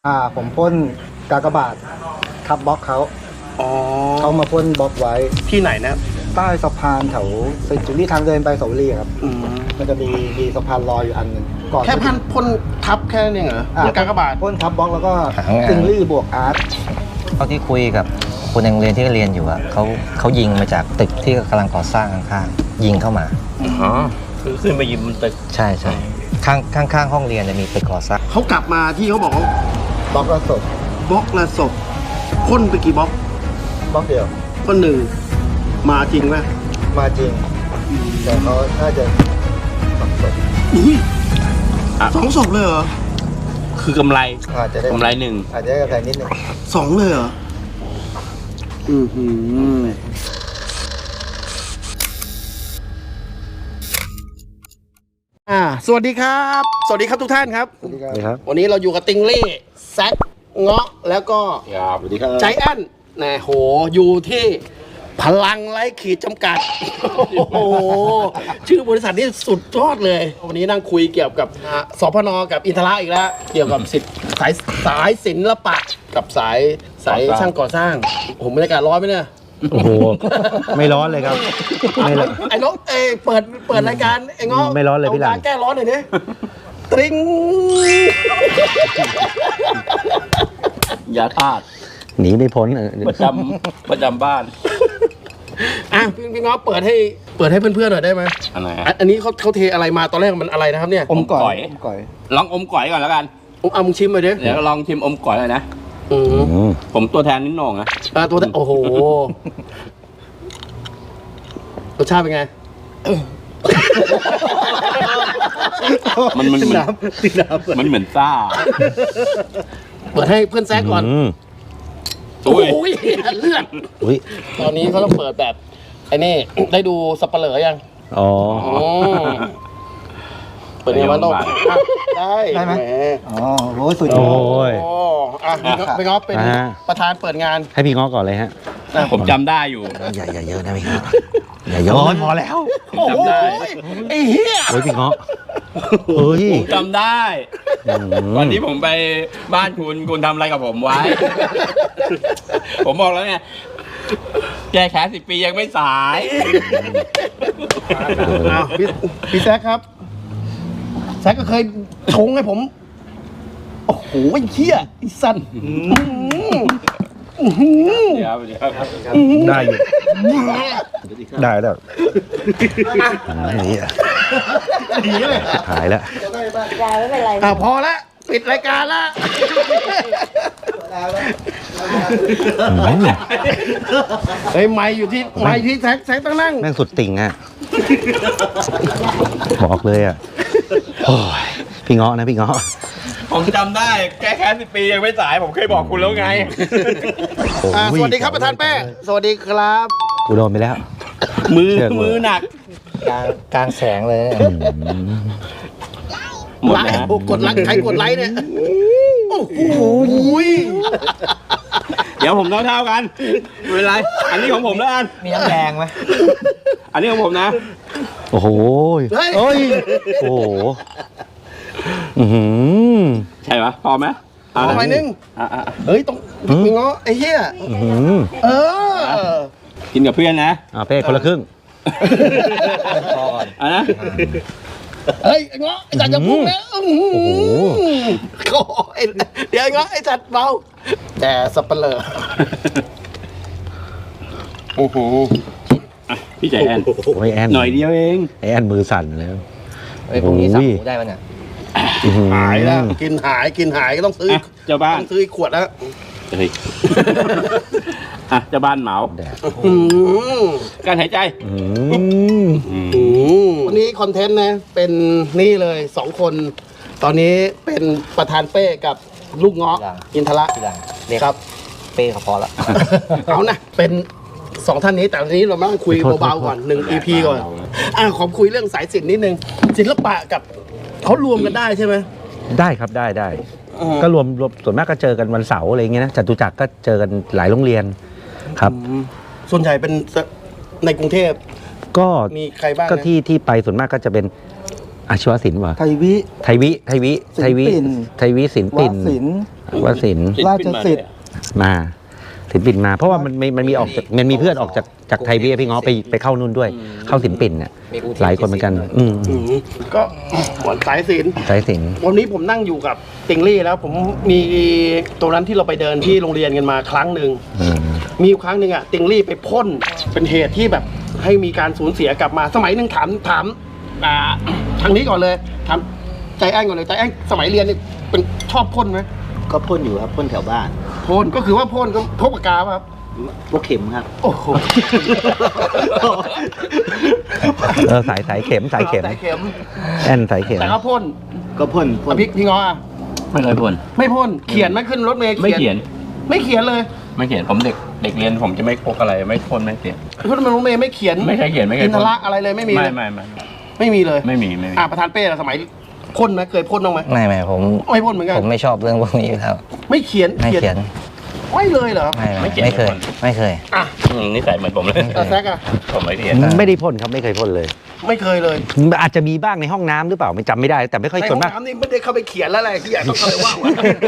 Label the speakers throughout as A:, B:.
A: ผมพ่นกากบาททับบล็อกเขา
B: อ๋อ
A: เขามาพ่นบล็อกไว้
B: ที่ไหนนะ
A: ใต้สะพานแถวเซนจูรี่ทางเดินไปเสาวรีครับ
B: อืม
A: มันจะมีสะพานลอยอยู่อันหนึงก่อน
B: แค่พ่นทับแค่นั้นเองเหรอแล้วกากบาท
A: พ่นทับบล็อกแล้วก็
C: หางาน
A: ซิงลี่บวกอาร์ต
C: เท่าที่คุยกับคนในโรงเรียนที่เรียนอยู่อะเขายิงมาจากตึกที่กำลังก่อสร้างข้างๆยิงเข้ามา
D: อ๋อคือขึ้นไปยิงบนตึก
C: ใช่ใช่ข้างห้องเรียนจะมีตึกก่อสร้าง
B: เขากลับมาที่เขาบอกว่า
A: บล็อกละศพ
B: บล็อกละศพพ่นไปกี่บล็อก
A: บล็อกเดียว
B: ก็หนึ่งมาจริงไหม
A: มาจริง แต่เขาน่าจะสองศพ
B: อุ้ยสองศพเลยเหรอ
D: คือกำไร
A: อาจจะได้
D: กำไรหนึ่ง
A: อาจจะได้กำไรนิดนึง
B: สองเลยเหรออือหือสวัสดีครับ สวัสดีครับทุกท่านครับ
A: สวัสดีครับ
C: ครับ
B: วันนี้เราอยู่กับติงเล่แซกเงาะแล้วก็
D: ครับสวัสดีครับ
B: ใจแอนนะโหอยู่ที่พลังไร้ขีดจำกัด โอ้โห ชื่อบริษัทนี้สุดยอดเลย วันนี้นั่งคุยเกี่ยวกับสพนกับอินทราอีกแล้ว เกี่ยวกับสายศิลปะกับสายช่างก่อสร้างผมบรรยากาศร้อนไหมเนี่ย
E: โอ้โห ไม่ร้อนเลยครับ ไม่ร้อน
B: ไอ้น้องเปิดรายการไอ้เงาะ
E: ไม่ร้อนเลยพี่หลัง
B: าแก้ร้อนหน่อยดิตริง
D: ยาธาตุ
E: หนีไม่พ้น
D: ประจำบ้าน
B: อ่ะพี่เงาะเปิดให้เพื่อนๆหน่อยได้ไหม
D: อันไหน
B: อันนี้เขาเทอะไรมาตอนแรกมันอะไรนะครับเนี่ย
A: อมก่
D: ก่
A: อ
D: อย ย
A: อมก่อย
D: ลองอมก๋อยก่อนแล้วกัน
B: เอามึงชิมหน่อยดิ
D: เดี๋ยวลองชิมอมก๋อยเลยนะ
B: อืม
D: ผมตัวแทนนิดหน่องนะ
B: ตัวโอ้โหรสชาติเป็นไง
D: มันเหมือน
B: ติดน้ำ
D: มันเหมือนซ่า
B: เปิดให้เพื่อนแซกก่อน
D: อุ้
B: โอ้
D: ย
B: ยเลือด
E: อุ้ย
B: ตอนนี้เขาต้องเปิดแบบไอ้นี่ ได้ดูสับเปลือยัง
E: อ๋อ
B: อืมเปิดยังไงวะโน้ตได้ไหม
A: อ๋อโอ้ยสุดย
E: โอ้
A: อด
E: ย
B: โอ้อ่ะพี่ง้อเป็น
E: อ่า
B: ประธานเปิดงาน
E: ให้พี่ง้อก่อนเลยฮะ
D: ผมจำได้อยู่
C: อย่าเยอะนะพี่ครับอย่าเยอะ
E: โอ้ยพอแล้ว
B: โอ้โห
D: จำได้
B: ไอ้เหี้ย
E: โอ้ยพี่ง้อเฮ้ย
D: ผมจำได้ วันนี้ผมไปบ้านคุณทำอะไรกับผมไว้ ผมบอกแล้วไง แก้แค้น10 ปียังไม่สาย
B: อ้าวพี่แซกครับ แซกก็เคยชงให้ผม โอ้โหไอ้เหี้ยไอ้สัน
D: เดี๋ยวเดี๋ยว
E: ได้อยู่ ได้แล้วนี่อ่ะ
B: หนีเลย
E: หายแล้ว
F: ยายไม่เป็นไร
B: พอละปิดรายการละเฮ้ยไม่อยู่ที่แซกต้องนั่ง
E: แม่งสุดติ่งอ่ะ บอกเลยอ่ะ โอ้ย พี่ง้อนะพี่ง้อ
D: ผมจำได้ แก้แค้น10 ปียังไม่สาย ผมเคยบอกคุณแล้วไง
E: โอ้ย
B: สวัสดีครับประธานแป้สวัสดีครับ
E: กูโดนไปแล้ว
D: มือหนัก
C: กลางแสงเลย
D: หมด
B: ไล
D: นะ
B: ค์กดไลค์ใครกดไลค์เนี่ยโอ้โห
D: เดี๋ยวผมเท่าๆกันไม่เป็นไร อันนี้ของผมแล้วกัน
C: มีน้ำแดงไหม
D: อันนี้ของผมนะ
E: โอ้โห
B: เฮ้ย
E: เฮ้ย โอ้โห อือหือ
D: ใช่ปะพอไหม
B: ขอหน่อยนึง
D: อ่ะ
B: เฮ้ยต้องมีง้อไอ้เหี้ย
E: อื้อหือ
B: เออ
D: กินกับเพื่อนนะ
E: เป้คนละครึ่ง
D: อ่ะนะ
B: เฮ้ยไอ้ง้อไอ้จัดจะพุ่งแล้ว
E: โอ้โห
B: โอ้ยเดี๋ยวไอ้ง้อไอ้จัดเบาแต่สับเปลือโอ้โห
D: อ่ะพี่ใจแอน
E: โอ้ยแอน
D: หน่อยเดียวเอง
E: ไอแอนมือสั่นแล้ว
C: เฮ้ยพรุ่งนี้สับหมูได้ป่ะเนี่ย
E: อื้อหือ
B: หายแล้วกินหายก็ต้องซื้อ
D: อ่ะเจ้าบ้าน
B: ต้องซื้ออีกขวดแล้ว
D: เฮ้ยอ่ะเจ้าบ้านเหมา
E: แดด
B: อืม
D: การหายใจ
E: อืม
B: วันนี้คอนเทนต์นะเป็นนี่เลย2 คน ตอนนี้เป็นประธานเป้กับลูกเงาะอินทระ
C: พี่หลังเรียก
B: ครับ
C: เป้เขาพอละ
B: เอานะเป็น2 ท่านนี้แต่วันนี้เรามานั่งคุยเบาๆก่อน1 EP ก่อนขอคุยเรื่องสายศิลป์นิดนึงศิลปะกับเขารวมกันได้ใช่ไหม
E: ได้ครับได้ ก็รวมส่วนมากก็เจอกันวันเสาร์อะไรอย่างเงี้ยนะจตุจักรก็เจอกันหลายโรงเรียนครับ
B: ส่วนใหญ่เป็นในกรุงเทพ
E: ก็
B: มีใครบ้างนะ
E: ก็ที่ไปส่วนมากก็จะเป็นอาชีวศิลป์ว่ะ
A: ไทยวิ
E: ไทยวิ
A: ศิลปิน
E: ไทยวิศิลป์ปิ่น
A: วศิลป์
E: วสินทร์
A: ราชสิทธิ์
E: มาศิลปินมา เพราะว่ามันมีออกจากมันมีเพื่อนออกจากไทยพี่ง้อไปเข้านู่นด้วย เข้าศิลปินเนี่ยหลายคนเหมือนกัน
B: ก็หมอนสายศิลป์
E: สายสิน
B: วันนี้ผมนั่งอยู่กับติงลี่แล้วผมมีตัวนั้นที่เราไปเดินที่โรงเรียนกันมาครั้งหนึ่งมีอยู่ครั้งหนึ่งอะติงลี่ไปพ่นเป็นเหตุที่แบบให้มีการสูญเสียกลับมาสมัยหนึ่งถามทางนี้ก่อนเลยถามใจแอ้งก่อนเลยใจแอ้งสมัยเรียนนี่เป็นชอบพ่นไหม
F: ก็พ่นอยู่ครับพ่นแถวบ้าน
B: พ่นก็คือว่าพ่นก็พกปากกาป่ะครับ
F: พวกเข็มครับ
B: โอ้โห
E: สายเข็มสายเข็ม
B: สายเข็ม
E: แอนสายเข็ม
B: แต่ก็พ่น
F: ก็พ่น
B: อ่ะพี่ง้ออะ
D: ไม่เคยพ่น
B: ไม่พ่นเขียนไหมขึ้นรถเมล์
D: ไม่เขียน
B: ไม่เขียนเลย
D: ไม่เขียนผมเด็กเรียนผมจะไม่พกอะไรไม่พ่นไม่เขียน
B: รถเมล์ไม่เขียน
D: ไม่เคยเขียนไม่เคย
B: อินท
D: พ่น
B: ระอะไรเลยไม่มีเลย
D: ไม่
B: ไม่มีเลย
D: ไม่มี
B: ประธานเป้ล่ะสมัยพ่นไหมเคยพ่นบ้างไหม
C: ไม่ผม
B: ไม่พ่นเหมือนกัน
C: ผมไม่ชอบเรื่องพวกนี้อยู่แล้ว
B: ไม่เขียน
C: ไม่เขียน
B: ไม่เลยเหรอ
C: ไม่เคย
B: อ่ะ
D: นิสัยเหมือนผมเลย
B: แซกอะ
D: ผมไม่เขียน
E: ไม่ได้พ่นครับไม่เคยพ่นเลย
B: ไม่เคยเลย
E: อาจจะมีบ้างในห้องน้ำหรือเปล่าไม่จำไม่ได้แต่ไม่ค่อย
B: ใน
E: ส่
B: ห้
E: ว
B: อน ง
E: มาก
B: น้ำนี่ไม่ได้เข้าไปเขียนแล้วแหละที่อยากต้องเข้าไปว่าวอะ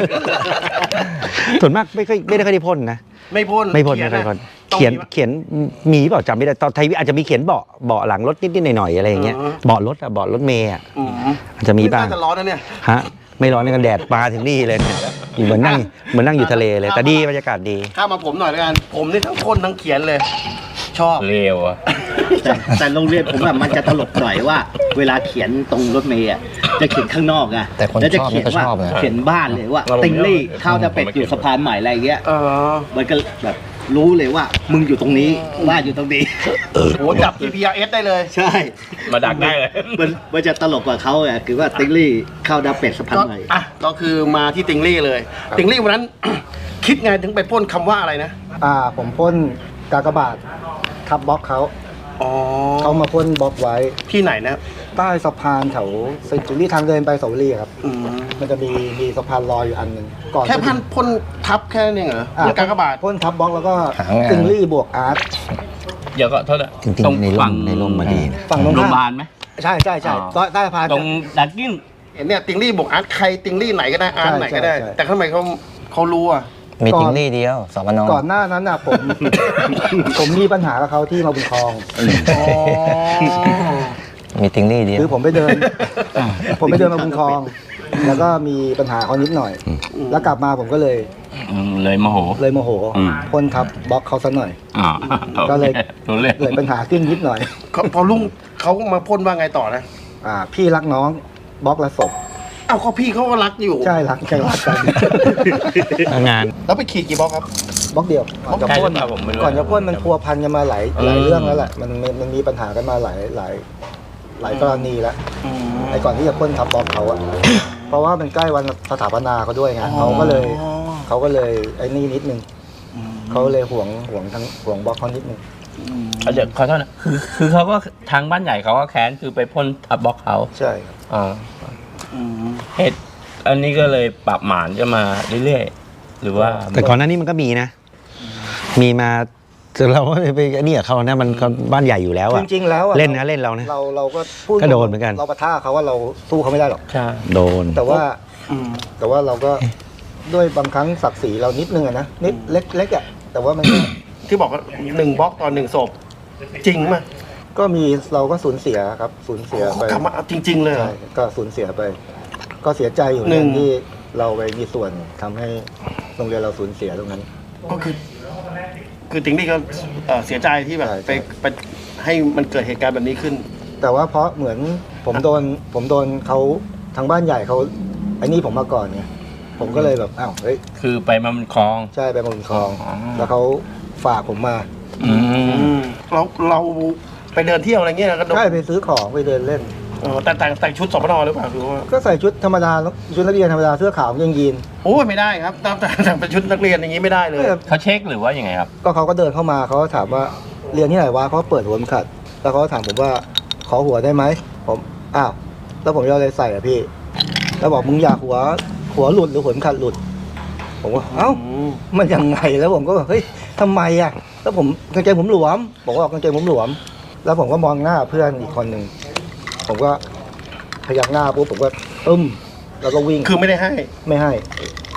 E: ส่วนมากไม่ได้ได้พ่นนะ
B: ไม่พ่น
E: ไม่พ่น
B: เขีย
E: ไม่เคยพ่น
B: ต้อง
E: เขียน
B: มีปะ
E: เขียนมีเปล่าจำไม่ได้ตอนไทยอาจจะมีเขียนเบาะหลังรถนิดๆหน่อยๆอะไรอย่างเงี้ย
B: อ๋อ
E: เบาะรถอะเบาะรถเมย์อะ
B: อืม
E: อาจจะมีบ้าง
B: น่าจะร้อนนะเนี่ย
E: ฮะไม่ร้อนในกันแดดมาถึงนี่เลยเนี่ยเหมือนนั่งอยู่ทะเลเลยแต่ดีบรรยากาศดี
B: ข้ามมาผมหน่อยแล้วกันผมนี่ทั้งพ่นทั้งเขียนเลย ชอบ
D: เลวอะ
F: แต่โรงเรียนผมแบบมันจะตลกหน่อยว่า เวลาเขียนตรงรถเมล์อะจะเขียนข้างนอกอะ
C: แต่คน
F: แล้วจะ
C: ชอบ
F: เขียนว่า
C: ก็ชอบนะ
F: เขียนบ้านเลยว่าติงลี่ข้าวจะเป็ดอยู่สะพานใหม่อะไรเงี้ย
B: เออ
F: มันก็แบบรู้เลยว่ามึงอยู่ตรงนี้บ้านอยู่ตรงนี้
B: โหจับ GPRS ได้เลย
F: ใช่
D: มาดักได้เลย
F: มันจะตลกกว่าเขาอะคือว่าติงลี่ข้าวดาวเป็ดสะพาน
B: ก็
F: ใหม่
B: ก็คือมาที่ติงลี่เลย ติงลี่วันนั้น คิดไงถึงไปพ่นคำว่าอะไรนะ
A: ผมพ่นกากบาททับบล็อกเขา
B: อ๋อ
A: เขามาพ่นบล็อกไว้
B: ที่ไหนนะ
A: ใต้สะพานแถวเซนจูรี่ทางเดินไปเสาวรีครับ
B: อืม
A: มันจะมีสะพานลอยอยู่อันหนึ่งก่อน
B: แค่พันพ่นทับแค่นั้นเองเหรอพ่นกากบาท
A: พ่นทับบล็อกแล้วก็
C: หางาน
A: ติงลี่บวกอาร์ต
D: เดี๋ยวก็โทษนะ
C: จริงๆในร่มมาดีนะ
A: ฝั่งตรง
D: โรงพยา
A: ข้า
D: บาม ลไหม
A: ใช่ใต้สะพาน
D: ตรงดักกิ้ง
B: เห็นเนี่ยติงลี่บอกอาร์ตใครติงลี่ไหนก็ได้อาร์ต
A: ใช่
B: ไหนก็ได้
A: ใช่
B: แต่ทำไมเขารู้อ่ะ
C: มีติงลี่เดียวสปน
A: ก่อนหน้านั้นผม ผมมีปัญหากับเขาที่มาบุญคลอง
B: อ๋อ
C: มีติงลี่เดียว
A: คือผมไปเดินมาบุญคลอง แล้วก็มีปัญหาเขานิดหน่อย แล้วกลับมาผมก็เลย
D: เลยโมโห
A: โมโห
D: อืม
A: พ่นทับบล็อกเขาซะหน่อย
D: อ่า
A: ก็เลย
D: รู้เลย
A: เกิดปัญหาขึ้นนิดหน่อย
B: พอลุงเขามาพ่นว่าไงต่อนะ
A: พี่รักน้องบล็อกละศพ
B: เอ้าก็พี่เขาก็รักอยู่
A: ใช่รักกัน
E: งาน
B: แล้วไปขีดกี่บล็อกครับ
A: บล็อกเดียวก่อนจะ
D: ใช่ห
A: พ่
D: รื
A: น
D: อเปล่าผมไม่รู้
A: ก่อนจะพ่นมันพัวพันกันมาหลายเรื่องแล้วแหละมันมีปัญหากันมาหลายกรณีแล้วไอ้ก่อนที่จะพ่นทับบล็อกเขาอะเพราะว่ามันใกล้วันสถาปนาเขาด้วยไงเขาก็เลยไอ้นี่นิดนึงเขาเลยห่วงบล็อกเขานิดนึง
D: เดี๋ยวขอโทษนะคือเขาก็ทางบ้านใหญ่เขาก็แค้นคือไปพ่นทับบล็อกเขา
A: ใช่ครับ
D: อ่าเหตุอันนี้ก็เลยปรับหมานจะมาเรื่อยๆหรือว่า
E: แต่ก่อนหน้านี้มันก็มีนะ มีมาเราก็ไปนี่กับเขานะมันเขาบ้านใหญ่อยู่แล้ว
A: จ
E: อะ
A: ริงๆแล้วอะ
E: เล่นนะเล่นเรานะ
A: เราก็พูด
E: ก็โดนเหมือนกัน
A: เราปะท่าเขาว่าเราสู้เขาไม่ได้หรอก
D: ใช่
E: โดน
A: แต่ว่าเราก็ด้วยบางครั้งศักดิ์ศรีเรานิดนึงอะนะนิดเล็กๆอะแต่ว่ามัน
B: ที่บอกว่า1บล็อกต่อ1ศพจริงไหม
A: ก็มีเราก็สูญเสียครับสูญเสียไป
B: กลับมาจริง ๆ เลยเหร
A: ใช่
B: อ
A: ก็สูญเสียไป ก็เสียใจอยู่
B: หนึ่ง
A: ที่เราไปมีส่วนทำให้โรงเรียนเราสูญเสียตรงนั้น
B: ก็คือติงลี่ก็เสียใจที่แบบ
A: ใช่
B: ไปให้มันเกิดเหตุการณ์แบบนี้ขึ้น
A: แต่ว่าเพราะเหมือนผมโดนเขาทางบ้านใหญ่เขาไอ้นี่ผมมาก่อนไงผมก็เลยแบบอ้าวเฮ้ย
D: คือไปมามันคลอง
A: ใช่ไปบนคลอง
D: อ๋อ
A: แล้วเขาฝากผมมา
B: เราไปเดินเที่ยวอะไรเงี้ยนะก็โดน
A: ใช่ไปซื้อของไปเดินเล่น
B: แต่งชุดสปนหรือเปล่าหรือว่า
A: ก็ใส่ชุดธรรมดาชุดนักเรียนธรรมดาเสื้อขาวกางเกงยีน
B: โอ้ยไม่ได้ครับแต่งเป็นชุดนักเรียนอย่างนี้ไม่ได้เลย
D: เขาเช็คหรือว่ายังไงครับ
A: ก็เขาก็เดินเข้ามาเขาก็ถามว่าเรียนที่ไหนวะเขาเปิดหัวเข็มขัด แล้วเขาก็ถามผมว่าขอหัวได้ไหมผมอ้าวแล้วผมจะเอาอะไรใส่อ่ะพี่ แล้วบอกมึงอยากหัวหลุดหรือหัวเข็มขัดหลุด ผมว่าเอ้ามันยังไงแล้วผมก็แบบเฮ้ยทำไมอ่ะแล้วผมกางเกงผมหลวมบอกว่ากางเกงผมหลวม แล้วผมก็มองหน้าเพื่อนอีกคนหนึ่งผมก็พยักหน้าปุ๊บผมก็แล้วก็วิ่ง
B: คือไม่ได้ให้
A: ไม่ให้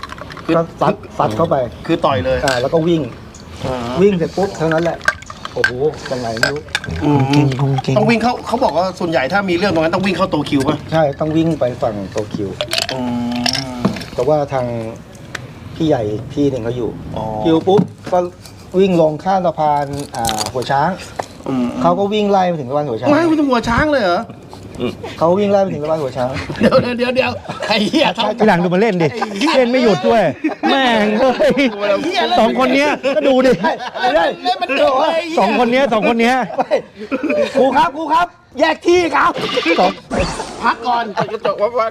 A: ก็ซัดเข้าไป
B: คือต่อยเลย
A: แล้วก็วิ่งเสร็จปุ๊บเท่านั้นแหละโอ้โหยังไงไม่รู้
B: ต้องวิ่งเขาบอกว่าส่วนใหญ่ถ้ามีเรื่องตรงนั้นต้องวิ่งเข้าโตคิวป่ะ
A: ใช่ต้องวิ่งไปฝั่งโตคิวแต่ว่าทางพี่ใหญ่อีกที่หนึ่งเขาอยู่คิวปุ๊บก็วิ่งลงข้ามสะพานหัวช้างเขาก็วิ่งไล่ไปถึงสะพานหัวช้าง
B: ไม่คุณตำรวจช้างเลยเหรอ
A: เขาวิ่งไล่ไปถึงสะพานหัวช้าง
B: เดี๋ยวไอ้เหี้ยทำ
E: พี่หลังดูมาเล่นดิ เล่นไม่หยุดด้วย แม่งเฮ้ยสองคนเนี้ยก็ดูดิ
A: ไม่ได้
B: เล่นมันเดือด
E: สองคนเนี้ย
A: ครูครับ แยกที่ครับ
B: พักก่อนกระจกมาฟัง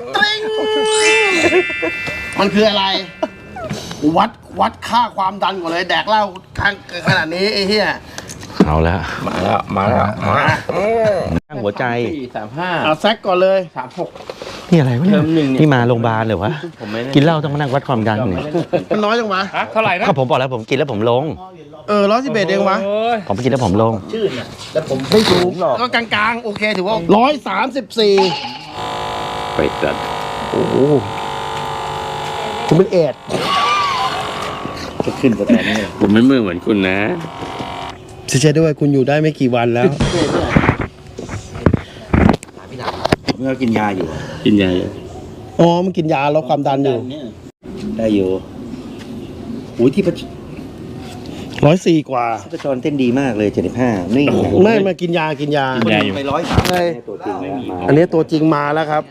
B: มันคืออะไร วัดค่าความดันก่อนเลยแดกเหล้าขนาดนี้ไอ้เหี้ย
E: เอาแล้ว
D: มาแล้ว
E: ตั้งหัวใจ
D: 435
B: เอาแซกก่อนเลย
D: 36
E: นี่อะไรวะเนี่ย
D: เทอมหนึ่งเนี่ย
E: นี่มาโรงพยาบาลเหรอวะ
D: ผมไม่ได้
E: กินเหล้าต้องมานั่งวัดความดันเนี่ย
B: มันน้อยจังวะ
D: เท่าไหร่นะ
E: ก็ผมบอกแล้วผมกินแล้วผมลง
B: 111เองวะ
E: ผมกินแล้วผมลง
A: แล้วผมไม่สูงหรอก
B: ก็กลางๆ โอเคถือว่า134
D: ไปจัด
E: โอ้โห
B: คุณเป็นเอด
F: จะขึ้นสแตนนี่
D: ผมไม่มือเหมือนคุณนะ
B: เชื่อด้วยคุณอยู่ได้ไม่กี่วันแล้ว
F: เมื่อกินยาอยู่
D: กินยา
B: อ๋อมันกินยาลดความดันอยู่
F: ได้อยู่โอ้ยที่ประ
B: 104 กว่า
F: ประจรเต้นดีมากเลย75นี่
B: ไม่มากินยา
D: กินยาอยู่
F: ไป103
B: ใช่
F: ตัวจริงแล้วมา
B: อันนี้ตัวจริงมาแล้วครับ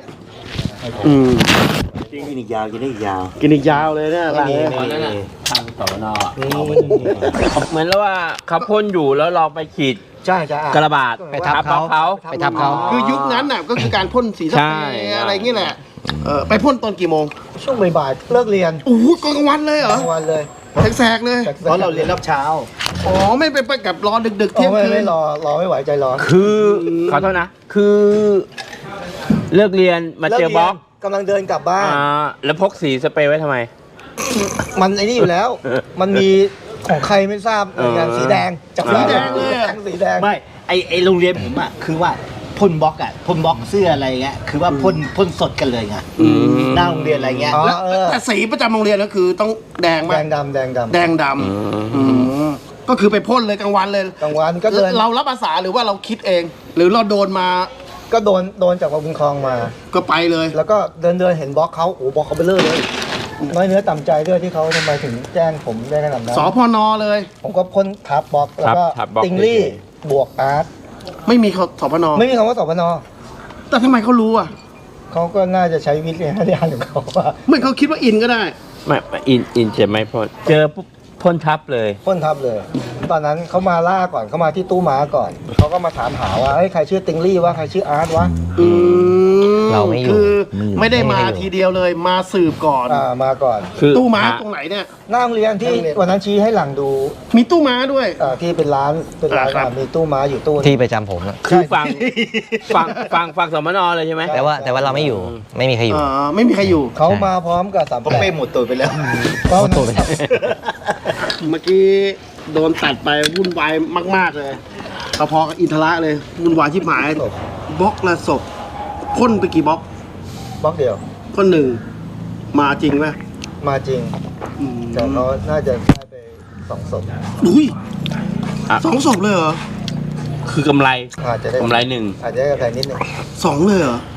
F: กินอีกยาวกินได้อีกยาว
B: กินอีกยาวเลยเนี่ยหลังเนี่ย
D: ทางสวนเหมือนแล้วว่าเขาพ่นอยู่แล้วเราไปขีด
A: ใช่จะ
D: กระบาด
E: ไปทับเขาไปทับเขา
B: คือยุคนั้นน่ะก็คือการพ่นสีส
D: ใช่
B: เปรย์อะไรอย่างเงี้ยแหละไปพ่นตอนกี่โมง
A: ช่วงบ่ายๆเลิกเรียน
B: โอ้โหกลางวันเลยเหรอก
A: ลางวันเลย
B: แสกๆเลย
F: เพราะเราเรียนรอบเช้า
B: อ๋อไม่ไปกับรอดึกๆ
A: เที่
B: เที่
A: ย
B: ย
A: ง
B: งคื
A: ไม่
B: น
A: รอไม่ไหวใจร้อน
D: คือขอโทษนะ คือเลิกเรียนมาเจอบล็อก
A: กำลังเดินกลับบ้าน
D: แล้วพกสีสเปรย์ไว้ทำไม
A: มันไอ้นี่อยู่แล้ว มันมีของใครไม่ทราบเหมือนกันสีแดงจับ
B: สีแดงเลยอะ
A: สีแดง
F: ไม่ไอโรงเรียนผมอ่ะคือว่าพ่นบล็อกเสื้ออะไรเงี้ยคือว่าพ่นสดกันเลยไงหน้าโรงเรียนอะไรเงี้ย
A: อ๋อ
B: แล้วแต่สีประจำโรงเรียนก็คือต้องแดงไหม
A: แดงดำ
B: แดงดำก็คือไปพ่นเลยกลางวันเลย
A: กลางวันก็เดิน
B: เรารับอาสาหรือว่าเราคิดเอง หรือเราโดนมา
A: ก็โดนจากบุญคลองมา
B: ก็ไปเลย
A: แล้วก็เดินเห็นบล็อกเขาโอ้บล็อกเขาเบลอเลยน้อยเนื้อต่ำใจด้วยที่เขาทำไมถึงแจ้งผมได้ขนาดนั้น
B: สพนเลย
A: ผมก็พ่นทับบล็อกแล้วก็
D: ทับบล็อก
A: ติงลี่บวกอาร์ต
B: ไม่มีสพน
A: ไม่มีคำว่าสพน
B: แต่ทำไมเขารู้อ่ะ
A: เขาก็น่าจะใช้วิทยาญาณของเขาว่า
B: เหมือนเขาคิดว่าอินก็ได้
D: ไม่อินจะไม่พ่นเจอปุ๊บพ่นทับเลย
A: พ่นทับเลย ตอนนั้นเขามาล่าก่อนเขามาที่ตู้ม้าก่อนเขาก็มาถามหาว่าเฮ้ยใครชื่อติงลี่วะใครชื่ออาร์ตวะ
E: เราไม่อยู่
B: คือ
E: ไม่อยู่
B: ไม่ได้มาทีเดียวเลย มาสืบก่อน
A: มาก่อน
D: คือ
B: ตู้ม้าตรงไหนเนี่ย
A: หน้าโรงเรียนที่วันนั้นชี้ให้หลังดู
B: มีตู้ม้าด้วย
A: ที่เป็นร้าน
B: ครับ
A: มีตู้ม้าอยู่ตู้
C: ที่ประจำผมอะ
D: คือฟังสมนเลยใช่ไหม
C: แต่ว่าเราไม่อยู่ ไม่มีใครอยู่
B: ไม่มีใครอยู่
A: เขามาพร้อมกับ3
F: ผมเป้หมดตัวไปแล้ว
A: เพราะ
C: ตัวไปแล้ว
B: เมื่อกี้โดนตัดไปวุ่นวายมาก ๆ เลยพอๆกับอินทระเลยวุ่นวายชิบหายบล็อกละศพพ่นไปกี่บล็อก
A: บล็อกเดียว
B: พ่นหนึ่งมาจริงไหม
A: มาจริงแต่เขาน่าจะได้ไป2 ศพ
B: อุ้ย2 ศพเลยเหรอ
D: คือกำไร
A: อาจจะได้
D: กำไรหนึ่ง
A: อาจจะได้กำไรนิดหนึง
B: 2 เลยเหรอ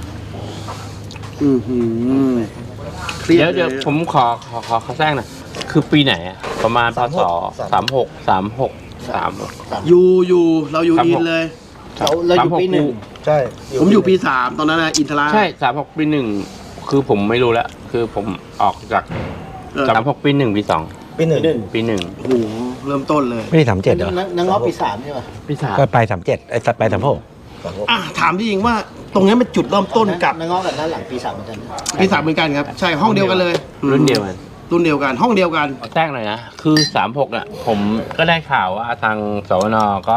B: เครียด
D: เดี๋ยวผมขอแทรกหน่อยคือปีไหนอะประมาณพศ36
B: อยู่เราอยู่อินเลย
F: เราอยู่ปี 1
A: ใช่
B: ผมอยู่ปี 3 ตอนนั้นนะอินทรา
D: ใช่36ปี1คือผมไม่รู้แล้วคือผมออกจาก36ปี1ปี2
A: ปีหนึ่ง
D: ปี
B: โอ้โหเริ่มต้นเลย
E: ไม่ได้37เหรอ
F: นังง้อปี 3ใช่ป่ะ
D: 1ปี3
E: ก็ไป37ไอ้ไป36
B: ถามที่จริงว่าตรงนี้เป็นจุดเริ่มต้นกับ
F: นังง้อกับด้านหลังปี 3เหมือนกัน
B: ปี 3เหมือนกันครับ ใช่ห้องเดียวกันเลย
D: รุ่นเดียวกัน
B: รุ่นเดียวกันห้องเดียวกัน
D: แทรกหน่อยนะ คือ36อ่ะผมก็ได้ข่าวว่าทางสวนก็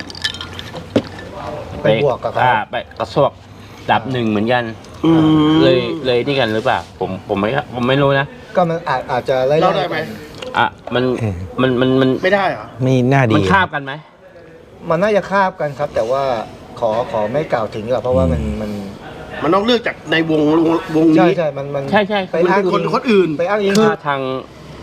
A: ไปบวกกับเขา
D: ไปกระซวกดับ1เหมือนกันเลยนี่กันหรือเปล่าผมไม่รู้นะ
A: ก็มันอาจจะไล่
B: เล่าได้ไหม
D: อ่ะมัน
B: ไม่ได้เหรอ
E: ไม่น่าดี
D: มันคาบกันไหม
A: มันน่าจะคาบกันครับ แต่ว่าขอไม่กล่าวถึงหรอกเพราะว่ามัน
B: มันต้องเลือกจากในวง
A: ใช่
B: นี้
A: ใช่มัน
D: ใช่
A: ไปอ้าง
B: คนอื่น
A: ไปอ้างอิง
D: คือทาง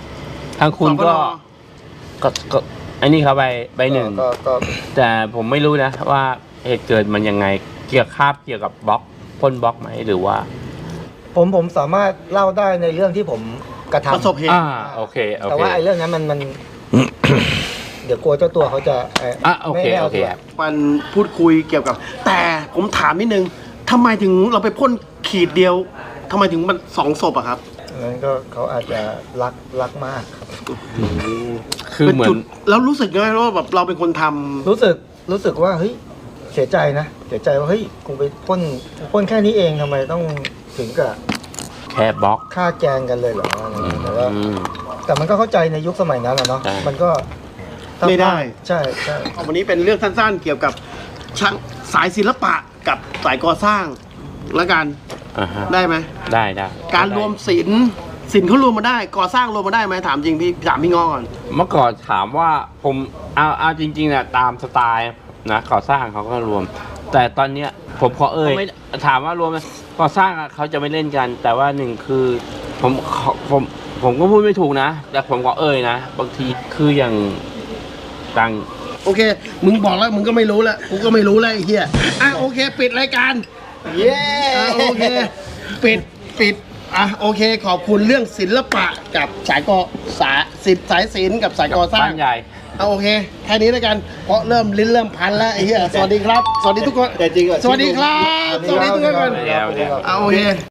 D: ทางคุณก็ ก็อันนี้เขาใบหนึ่ง
A: ก็
D: แต่ผมไม่รู้นะว่าเหตุเกิดมันยังไงเกี่ยวกับบล็อกพ่นบล็อกไหมหรือว่า
A: ผมสามารถเล่าได้ในเรื่องที่ผมกระทำ
B: ประสบเหตุ
D: โอเค
A: แต่ว่าไอ้เรื่องนั้นมัน เดี๋ยวกลัวเจ้าตัวเขาจะ
D: โอเค
A: ไม่า
D: โอเค
A: ตัว
D: ครับ
B: มันพูดคุยเกี่ยวกับ แต่ผมถามนิดนึงทำไมถึงเราไปพ่นขีดเดียวทำไมถึงมัน2 ศพอะครับ
A: นั้นก็เขาอาจจะรักมากครับ
D: คือเหมือ
B: ป็
D: น
B: จุดแล้วรู้สึกไงว่าแบบเราเป็นคนทำ
A: รู้สึกว่าเฮ้ยเสียใจนะเสียใจว่าเฮ้ยกูไปพ่นแค่นี้เองทำไมต้องถึงกับ
D: แค่บล็อก
A: ฆ่าแกล้งกันเลยเหรออะไรเงี้ยแต่ว่า
D: อืม
A: แต่มันก็เข้าใจในยุคสมัยนั้นอะเนาะ
D: ใช่
A: มันก็
B: ไม่ได้
A: ใช่
B: วันนี้เป็นเรื่องสั้นๆ เกี่ยวกับช่างสายศิลปะกับสายก่อสร้างแล้วกัน
D: อ่าฮะ
B: ได้ไหม
D: ได้
B: การรวมศิลป์เขารวมมาได้ก่อสร้างรวมมาได้ไหมถามจริงพี่ถามพี่งอก่อน
D: เมื่อก่อนถามว่าผมเอาจริงๆนะตามสไตล์นะก่อสร้างเขาก็รวม แต่ตอนเนี้ยผมขอไม่ถามว่ารวมไหมก่อสร้างอะเขาจะไม่เล่นกัน แต่ว่าหนึ่งคือผมก็พูดไม่ถูกนะ แต่ผมก็นะบางทีคืออย่างต่าง
B: โอเค มึงบอกแล้วมึงก็ไม่รู้แล้วกูก็ไม่รู้แล้วไอ้เหี้ยโอเค ปิดรายการ
A: เย้
B: โอเคปิดโอเค ขอบคุณเรื่องศิลปะกับสายศิลป์กับสายก่อสร้าง
D: บ้านใหญ่
B: โอเคแค่นี้แล้วกันเพราะเริ่มลิ้นเริ่มพันแล้วไอ้เหี้ยสวัสดีครับ สวัสดีทุกคน
A: แต่จริงอะ
B: สวัสดีครับ สวัสดีทุกคนก่อน
D: เดี๋ยว
B: โอเค